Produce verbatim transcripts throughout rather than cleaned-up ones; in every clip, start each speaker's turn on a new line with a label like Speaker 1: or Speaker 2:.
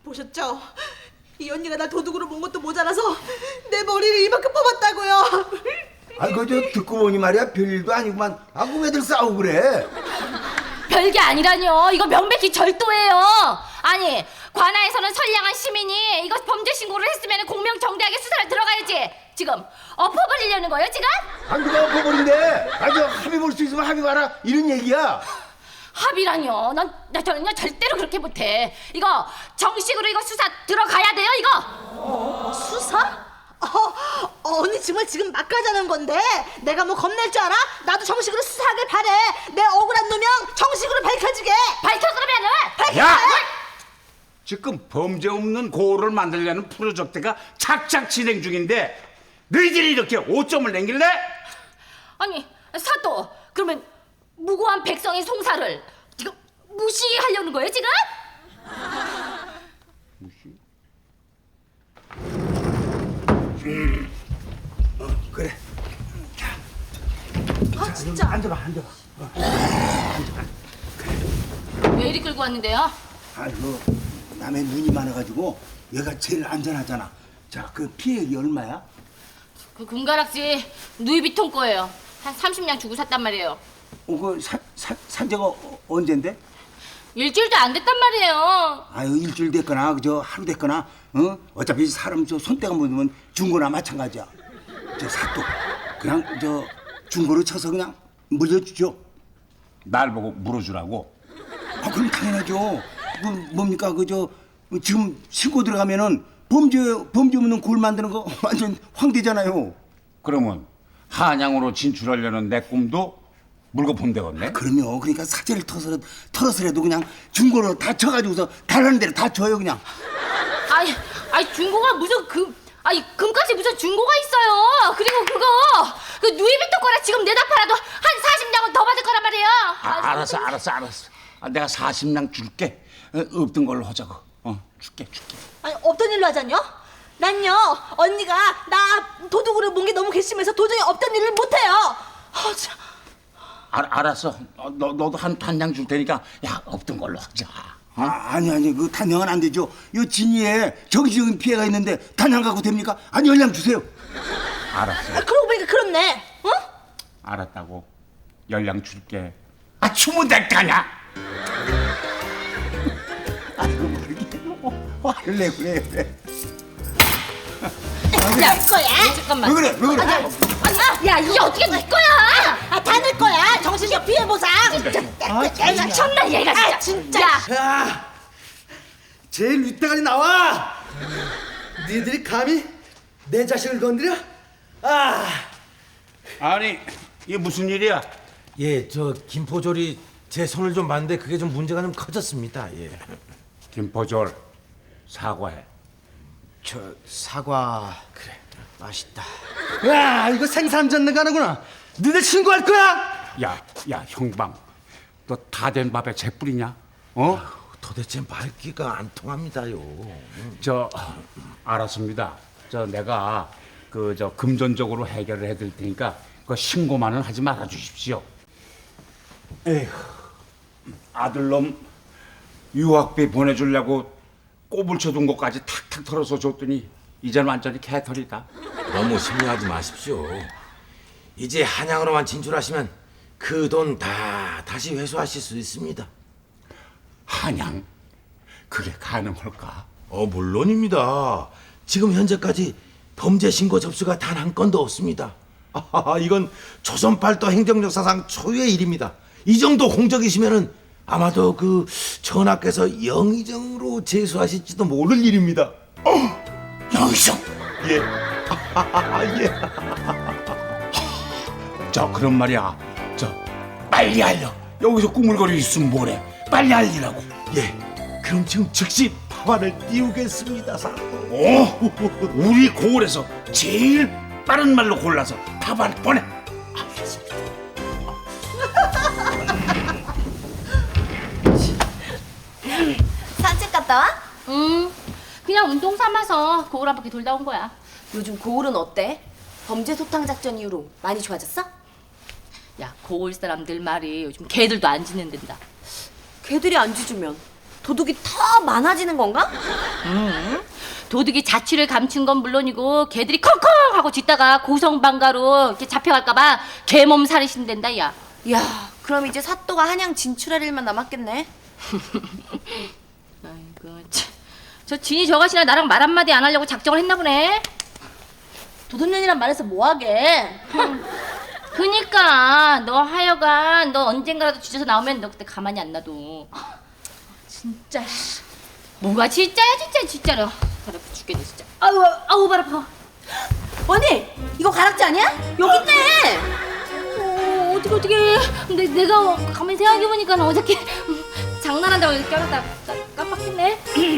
Speaker 1: 보셨죠? 이 언니가 나 도둑으로 본 것도 모자라서 내 머리를 이만큼 뽑았다고요.
Speaker 2: 아이고 저 듣고 보니 말이야 별일도 아니구만. 아 그 왜들 싸우고 그래?
Speaker 3: 별게 아니라뇨. 이거 명백히 절도예요. 아니, 관아에서는 선량한 시민이 이거 범죄 신고를 했으면 공명정대하게 수사를 들어가야지. 지금 엎어버리려는 거예요, 지금?
Speaker 2: 아 누가 엎어버린대? 아저 합의 볼 수 있으면 합의 봐라 이런 얘기야.
Speaker 3: 합의라뇨. 난, 나 저는요 절대로 그렇게 못해. 이거 정식으로 이거 수사 들어가야 돼요, 이거.
Speaker 1: 어, 수사? 어, 어, 언니 정말 지금 막 가자는 건데 내가 뭐 겁낼 줄 알아? 나도 정식으로 수사하길 바래. 내 억울한 누명 정식으로 밝혀지게.
Speaker 3: 밝혀 그러면은.
Speaker 1: 밝혀.
Speaker 4: 야! 지금 범죄 없는 고을을 만들려는 프로젝트가 착착 진행 중인데 너희들이 이렇게 오점을 남길래?
Speaker 3: 아니, 사또. 그러면 무고한 백성의 송사를 지금 무시하려는 거예요, 지금?
Speaker 4: 무시?
Speaker 2: 어 그래.
Speaker 1: 아 진짜.
Speaker 2: 앉아봐 앉아봐.
Speaker 3: 왜 이리 끌고 왔는데요?
Speaker 2: 아이고 남의 눈이 많아가지고 얘가 제일 안전하잖아. 자 그 피해액이 얼마야?
Speaker 3: 그 금가락지 누이비통 거예요. 한 삼십 냥 주고 샀단 말이에요.
Speaker 2: 어그 산 지가 어, 언젠데?
Speaker 3: 일주일도 안 됐단 말이에요.
Speaker 2: 아유 일주일 됐거나 그저 하루 됐거나 어 어차피 사람 저 손때가 묻으면 중고나 마찬가지야. 저 사또 그냥 저 중고로 쳐서 그냥 물려주죠.
Speaker 4: 날 보고 물어주라고?
Speaker 2: 아 그럼 당연하죠. 그 뭡니까 그저 지금 신고 들어가면은 범죄 범죄 없는 골 만드는 거 완전 황대잖아요.
Speaker 4: 그러면 한양으로 진출하려는 내 꿈도 물고 본다겠네?
Speaker 2: 그럼요. 그러니까 사제를 터서 털어서라도 그냥 중고로 다 쳐가지고서 달라는 대로 다 줘요 그냥.
Speaker 3: 아이, 아이 중고가 무슨 금, 아이 금까지 무슨 중고가 있어요. 그리고 그거 그 누이비통 거라 지금 내다 팔아도 한 사십 냥은 더 받을 거란 말이에요.
Speaker 4: 아, 알았어 알았어 알았어. 아, 내가 사십 냥 줄게. 어, 없던 걸로 하자고. 어, 줄게 줄게.
Speaker 1: 아니 없던 일로 하자뇨? 난요 언니가 나 도둑으로 본 게 너무 괘씸해서 도저히 없던 일을 못해요. 아, 참.
Speaker 4: 알, 알았어. 어, 너, 너도 한 단양 줄 테니까 야 없던 걸로 하자. 어?
Speaker 2: 아, 아니 아니 그 단양은 안 되죠. 요 진이에 정신적인 피해가 있는데 단양 갖고 됩니까? 아니 연락 주세요.
Speaker 4: 알았어.
Speaker 1: 아, 그러고 보니까 그렇네. 어?
Speaker 4: 알았다고. 연락 줄게. 아 추면 될까냐?
Speaker 2: 아이고 모르게 화를 내고 그래 그래.
Speaker 3: 야, 거야? 잠깐만.
Speaker 2: 왜 그래 왜 그래?
Speaker 3: 아니, 아, 야 이게 어떻게 네 거야?
Speaker 1: 아, 다 낼 거야. 정신적 피해 보상.
Speaker 2: 아,
Speaker 3: 야, 천나 얘가 진짜.
Speaker 1: 아, 진짜.
Speaker 3: 야,
Speaker 5: 야, 제일 윗대가리 나와. 니들이 감히 내 자식을 건드려? 아,
Speaker 4: 아니 이게 무슨 일이야?
Speaker 6: 예, 저 김포졸이 제 손을 좀 봤는데 그게 좀 문제가 좀 커졌습니다. 예.
Speaker 4: 김포졸 사과해.
Speaker 6: 저 사과 그래 맛있다.
Speaker 5: 야, 이거 생산 전능 가는구나. 니들 신고할 거야?
Speaker 4: 야, 야 형방. 너 다 된 밥에 재 뿌리냐? 어?
Speaker 6: 도대체 말귀가 안 통합니다요.
Speaker 4: 저 알았습니다. 저 내가 그 저 금전적으로 해결을 해드릴 테니까 그 신고만은 하지 말아 주십시오. 에휴, 아들놈 유학비 보내주려고 꼬불 쳐둔 것까지 탁탁 털어서 줬더니 이제는 완전히 개털이다.
Speaker 6: 너무 심려하지 마십시오. 이제 한양으로만 진출하시면 그 돈 다 다시 회수하실 수 있습니다.
Speaker 4: 한양? 그게 가능할까?
Speaker 6: 어 물론입니다. 지금 현재까지 범죄 신고 접수가 단 한 건도 없습니다. 아, 이건 조선 팔도 행정 역사상 초유의 일입니다. 이 정도 공적이시면은 아마도 그 전하께서 영의정으로 제수하실지도 모를 일입니다.
Speaker 4: 영의정?
Speaker 6: 예. 예.
Speaker 4: 저 그런 말이야. 저 빨리 알려. 여기서 꾸물거리고 있으면 뭐래? 빨리 알리라고.
Speaker 6: 예. 그럼 지금 즉시 파화를 띄우겠습니다, 사.
Speaker 4: 오, 우리 고을에서 제일 빠른 말로 골라서 답안 보내. 알겠습니다.
Speaker 7: 산책 갔다 와?
Speaker 3: 음, 그냥 운동 삼아서 고을 한 바퀴 돌다 온 거야.
Speaker 7: 요즘 고을은 어때? 범죄 소탕 작전 이후로 많이 좋아졌어?
Speaker 3: 야, 고을 사람들 말이 요즘 개들도 안 짖는단다.
Speaker 7: 걔들이 안 짖으면 도둑이 더 많아지는 건가?
Speaker 3: 도둑이 자취를 감춘 건 물론이고 걔들이 컹컹 하고 짖다가 고성방가로 이렇게 잡혀갈까봐 개몸살이 신댄다 야.
Speaker 7: 야, 그럼 이제 사또가 한양 진출할 일만 남았겠네.
Speaker 3: 아이고 참. 저 진이 저것이나 나랑 말 한마디 안 하려고 작정을 했나 보네.
Speaker 1: 도둑년이란 말해서 뭐하게?
Speaker 3: 그니까 너 하여간 너 언젠가라도 뒤져서 나오면 너 그때 가만히 안 놔둬.
Speaker 1: 진짜 씨.
Speaker 3: 뭐가 진짜야 진짜 진짜로. 발 아파 죽겠네 진짜. 아우 아우 발 아파.
Speaker 7: 언니, 이거 가락지 아니야? 여기 있네.
Speaker 3: 어, 어떻게 어떻게 내, 내가 가만히 생각해보니까 어저께 장난한다고 이렇게 껴놨다 깜빡했네.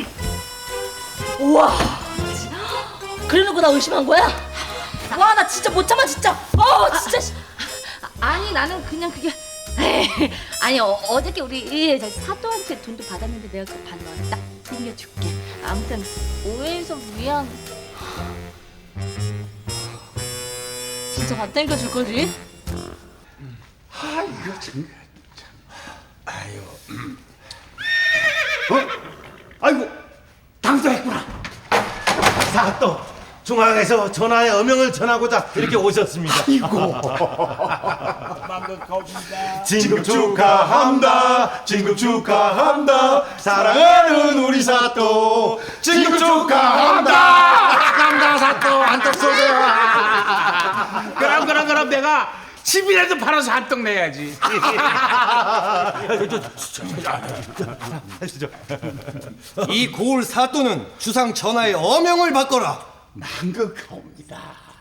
Speaker 1: 우와. 그래놓고 나 의심한 거야? 와, 나 진짜 못 참아 진짜. 어, 진짜. 씨.
Speaker 3: 아니 나는 그냥 그게 에이, 아니 어, 어저께 우리 저 사또한테 돈도 받았는데 내가 그 반만 딱 챙겨줄게. 아무튼 오해해서 미안.
Speaker 1: 진짜 밥 땡겨줄 거지?
Speaker 4: 아 이거 참.
Speaker 2: 어? 아이고 당사했구나.
Speaker 6: 사또 중앙에서 전하의 어명을 전하고자 이렇게 오셨습니다. 진급 축하합니다. 진급 축하합니다. 사랑하는 우리 사또 진급 축하합니다.
Speaker 4: 감다 사또 한턱 쏘세요. 그럼 그럼 그럼 내가 집이라도 팔아서 한턱 내야지.
Speaker 5: 이 고을 사또는 주상 전하의 어명을 받거라.
Speaker 4: 망극하옵니다.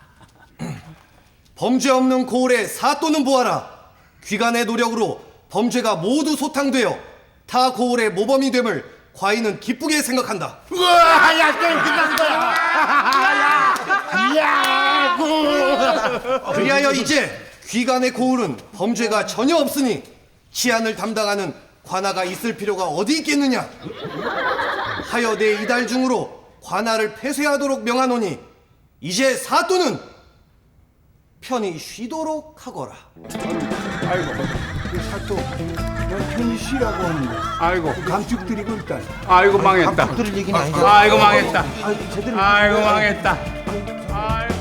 Speaker 5: 범죄 없는 고을의 사또는 보아라. 귀간의 노력으로 범죄가 모두 소탕되어 타 고을의 모범이 됨을 과인은 기쁘게 생각한다.
Speaker 4: 우와, 야 게임 끝난 거야. 야, 야,
Speaker 5: 그리하여 이제 귀간의 고을은 범죄가 전혀 없으니 치안을 담당하는 관아가 있을 필요가 어디 있겠느냐. 하여 내 이달 중으로 관아를 폐쇄하도록 명하노니 이제 사또는 편히 쉬도록 하거라.
Speaker 2: 아이고 그 사또 너 편히 쉬라고 하는데
Speaker 4: 아이고,
Speaker 2: 감축드리고 일단.
Speaker 4: 아이고 망했다.
Speaker 6: 들을 얘기는 아니다.
Speaker 4: 아이고 망했다.
Speaker 2: 아이고 제대로.
Speaker 4: 아이고 망했다. 아이고.